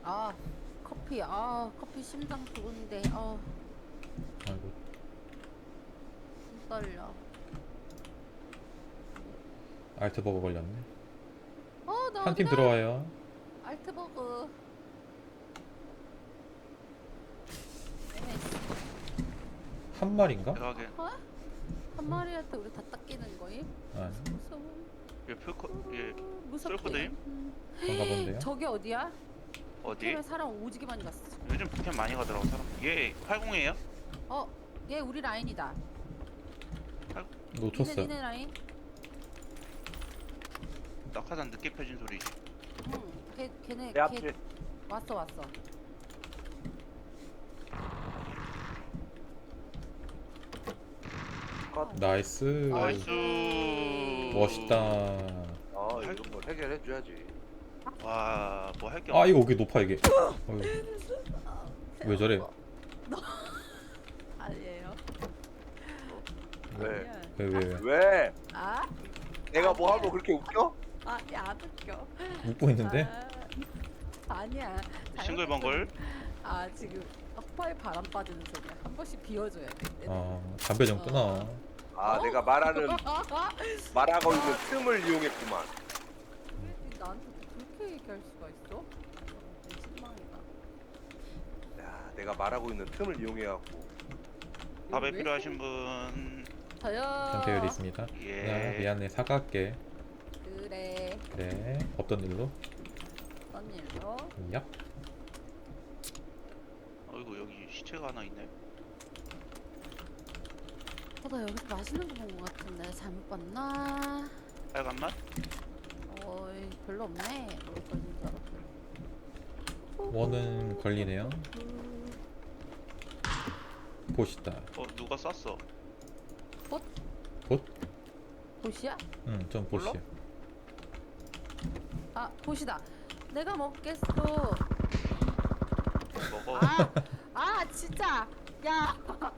아 커피 커피 심장 좋은데 아이고. 손 떨려. 알트버거 걸렸네. 나 한 팀 어디가? 들어와요. 알트버그. MS. 한 마리인가? 대각에 어? 한 마리한테 우리 다 닦이는 거임? 아, 무서워. 얘 풀코 얘 무섭게. 쏠코드임? 그런가 본데요. 저기 어디야? 어디? 캠에 사람 오지게 많이 갔어. 요즘 북캠 많이 가더라고 사람. 얘 80이에요? 얘 우리 라인이다. 놓쳤어요. 니네 라인? 낙하산 늦게 펴진 소리지. 걔네 내 앞에 왔어. 컷. 나이스. 나이스. 멋있다. 이런 걸 해결해줘야지. 와, 뭐 할 게 아, 이거 왜 높아 이게? 어휴. 왜 저래? 아니에요. 왜? 아니야. 왜? 왜? 아? 내가 뭐 하고 그렇게 웃겨? 아니 안 웃겨. 웃고 있는데? 아니야. 싱글벙글. 지금 헛파에 바람 빠지는 소리야. 한 번씩 비워줘야 돼. 담배 좀 끊어. 내가 말하고 있는 틈을 이용했구만. 나한테 그렇게 얘기할 수가 있어? 실망이다. 야, 내가 말하고 있는 틈을 이용해갖고. 밥에 왜? 필요하신 분. 저요. 전태열이 있습니다. 예. 야, 미안해, 사갈게. 그래. 그래. 없던 일로. 어떤 일로? 얍. 어이구 여기 시체가 하나 있네. 나 여기서 맛있는 거 본 거 같은데 잘못 봤나? 빨간 맛? 별로 없네. 먹을 거 있는 줄 알았더니. 원은 걸리네요. 보시다. 누가 쐈어? 봇? 보시야? 응, 좀 몰라? 보시요. 보시다. 내가 먹겠어. 먹어. 진짜. 야.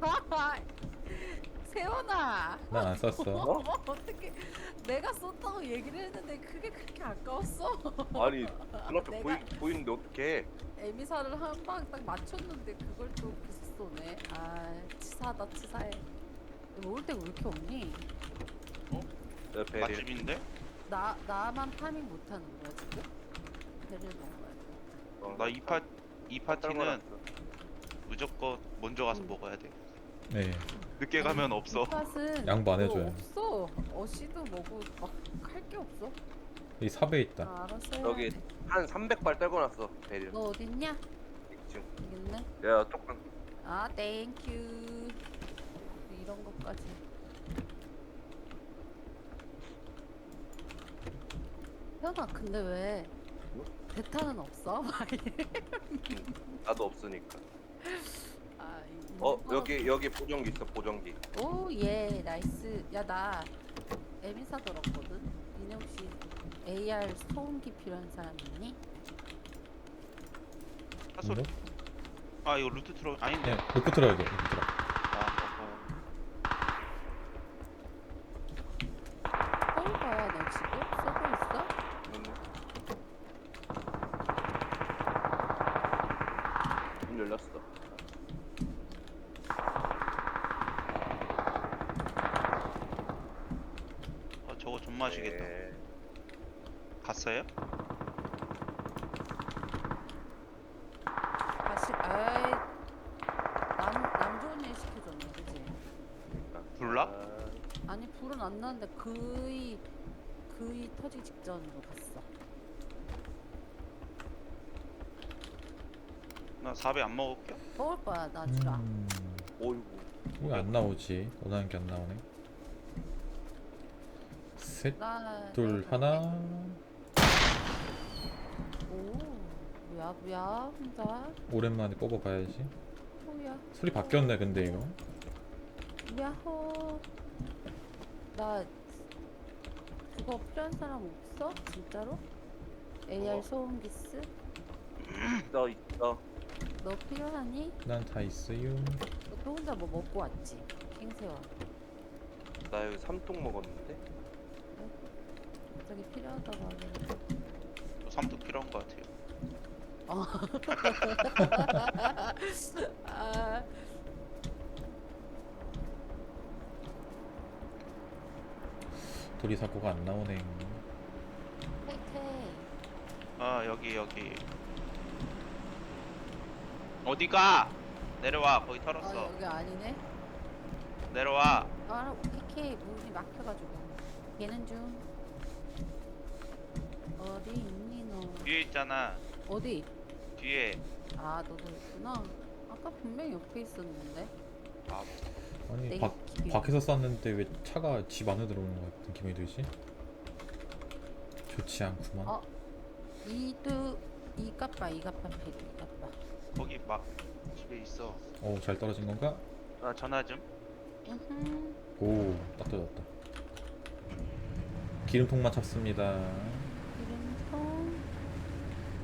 세원아. 난 안 썼어. 어떻게 내가 썼다고 얘기를 했는데 그게 그렇게 아까웠어? 아니, 눈앞에 내가- 보이는데 어떡해. 에미사를 한 방 딱 맞췄는데 그걸 또 계속 쏘네. 치사하다 치사해. 먹을 데가 왜 이렇게 없니? 내 베릴. 맛집인데? 나만 파밍 못하는 거야 지금? 배를 먹어야 돼. 나 이 파티는 무조건 먼저 가서 먹어야 돼. 네. 늦게 가면 없어. 팥은 양보 안 해줘요. 없어. 어시도 뭐고 막 할 게 없어. 이 삽에 있다. 알았어. 해야 여기 돼. 한 300발 떨궈놨어, 베릴. 너 어디 있냐? 지금. 여기 있네. 야, 조금. 땡큐. 이런 것까지. 현아 근데 왜 대타는 없어? 나도 없으니까. 이거 여기 보정기 있어, 보정기. 오예 나이스. 야 나 에미사 들었거든. 니네 혹시 AR 소음기 필요한 사람 있니? 핫소리. 뭐? 이거 루트 트럭 아닌데. 그냥 루프 들어야 돼. 루프 들어. 서울가야 너 지금? 쓰고 있어? 문 열렸어. 저거 좀 마시겠다. 네. 갔어요? 다시 남 좋은 일 시켜줬네 그치? 불나? 아니 불은 안 나는데 거의 터지기 직전으로 갔어. 나 4배 안 먹을게. 먹을 거야 나 주라. 어이구. 왜 안 나오지? 원하는 게 안 나오네. 셋, 둘, 하나. 오 뭐야 혼자 오랜만에 뽑아봐야지. 뭐야 소리 바뀌었네, 근데 이거. 야호. 나 그거 필요한 사람 없어? 진짜로? AR 소음기스? 있어. 너 필요하니? 난 다 있어요. 너 또 혼자 뭐 먹고 왔지? 킹새와 나 여기 3통 먹었는데? 갑자기 필요하다고 하길래. 삼뚝 필요한 것 같아요. 아, 도리 사고가 안 나오네. 테이테이. 여기 어디가? 내려와. 거기 털었어. 여기 아니네. 내려와. KK 문이 막혀가지고. 걔는 중. 어디 있니 너? 뒤에 있잖아. 어디? 뒤에. 아 너도 있구나. 아까 분명히 옆에 있었는데. 아, 아니 내 기분. 밖에서 쐈는데 왜 차가 집 안에 들어오는 것 같은 기분이 들지? 좋지 않구만. 어? 이까빠 패드 이까빠. 거기 막 집에 있어. 잘 떨어진 건가? 나 전화 좀. 으흠. 딱 떨어졌다. 기름통만 찾습니다.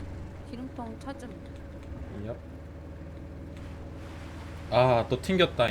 기름통 찾음. 얍. 또 튕겼다.